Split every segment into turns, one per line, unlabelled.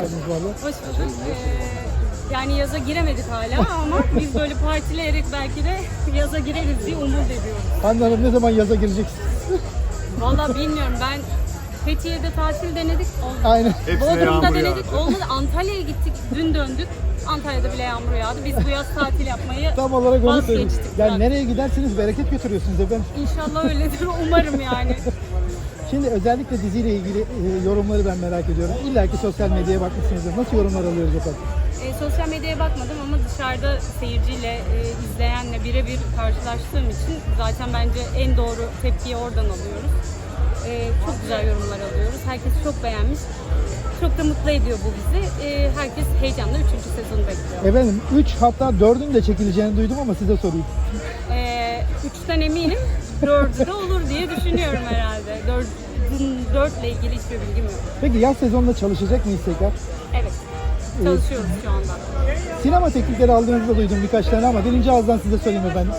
geldiniz valla.
Hoş bulduk. Yani yaza giremedik hala ama biz böyle partileyerek belki de yaza gireriz diye umut ediyoruz.
Hande Hanım ne zaman yaza gireceksiniz?
Vallahi bilmiyorum, ben Fethiye'de tatil denedik, olmadı.
Aynen.
Hepsine
Bodrum'da
yağmur
denedik,
yağdı.
olmadı. Antalya'ya gittik, dün döndük. Antalya'da bile yağmur yağdı. Biz bu yaz tatil yapmayı
Tam olarak onu söyleyeyim.
vazgeçtik.
Yani nereye giderseniz bereket götürüyorsunuz efendim.
İnşallah öyledir, umarım yani.
Şimdi özellikle diziyle ilgili yorumları ben merak ediyorum. İlla ki sosyal medyaya bakmışsınızdır. Nasıl yorumlar alıyoruz efendim?
Sosyal medyaya bakmadım ama dışarıda seyirciyle, izleyenle birebir karşılaştığım için zaten bence en doğru tepkiyi oradan alıyoruz. Çok güzel yorumlar alıyoruz. Herkes çok beğenmiş. Çok da mutlu ediyor bu bizi. Herkes heyecanla 3. sezonu bekliyor.
Efendim 3 hatta 4'ün de çekileceğini duydum ama size sorayım.
3'ten eminim. 4'ü de olur diye düşünüyorum herhalde. 4 ile ilgili hiçbir bilgim yok.
Peki yaz sezonunda çalışacak mıyız tekrar?
Evet. Çalışıyoruz şu anda.
Sinema teklifleri aldığınızı da duydum birkaç tane ama birinci ağızdan size söyleyeyim efendim.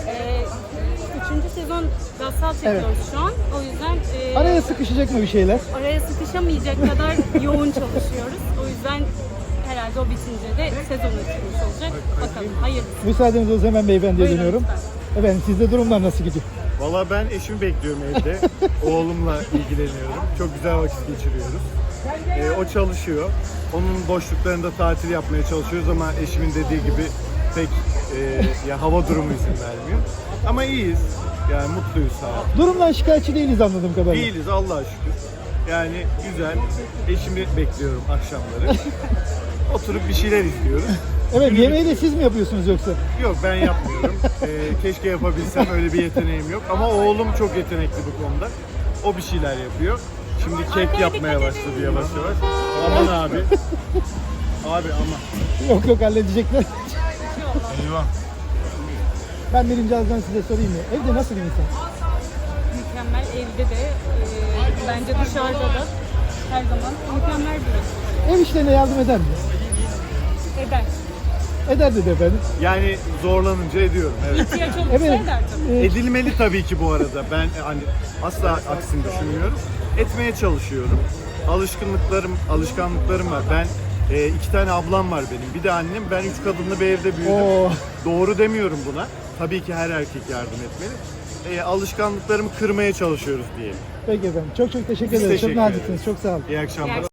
3. sezon Gassal çekiyoruz şu an. O yüzden
Araya sıkışacak mı bir şeyler?
araya sıkışamayacak kadar yoğun çalışıyoruz. O yüzden herhalde o bitince de sezon açılmış olacak. Bakalım. Hayırlısı.
Müsaadenizle o zaman hemen beyefendiye
Buyurun
dönüyorum.
lütfen.
Efendim sizde durumlar nasıl gidiyor?
Valla ben eşimi bekliyorum evde. Oğlumla ilgileniyorum. Çok güzel vakit geçiriyoruz. O çalışıyor. Onun boşluklarında tatil yapmaya çalışıyoruz ama eşimin dediği gibi pek ya hava durumu izin vermiyor. Ama iyiyiz. Yani mutluyuz sağ ol.
Durumdan şikayetçi değiliz anladığım kadarıyla.
Değiliz Allah'a şükür. Yani güzel. Eşimi bekliyorum akşamları. Oturup bir şeyler izliyoruz.
Evet, yemeği de siz mi yapıyorsunuz yoksa?
Yok, ben yapmıyorum. Keşke yapabilsem, öyle bir yeteneğim yok. Ama oğlum çok yetenekli bu konuda. O bir şeyler yapıyor. Şimdi kek yapmaya başladı yavaş yavaş. Aman abi. Abi ama.
Yok halledecekler.
Eyvah.
Ben birinci ağızdan size sorayım ya. Evde nasıl bir insan?
Mükemmel, evde de bence dışarıda da her zaman mükemmel bir
Ev işlerine yardım eder mi?
eder.
Eder dedi efendim.
Yani zorlanınca ediyorum, evet.
İhtiyaç olursa
Efendim,
eder tabii.
Edilmeli tabii ki bu arada. Ben hani asla aksini düşünmüyorum. Etmeye çalışıyorum. Alışkanlıklarım var. Ben 2 tane ablam var benim. Bir de annem. Ben 3 kadınlı bir evde büyüdüm.
Oo.
Doğru demiyorum buna. Tabii ki her erkek yardım etmeli. Alışkanlıklarımı kırmaya çalışıyoruz diyelim.
Peki efendim. Çok teşekkür
Biz
ederim. Çok
teşekkür
naziksiniz.
ederiz.
Çok sağ olun.
İyi akşamlar.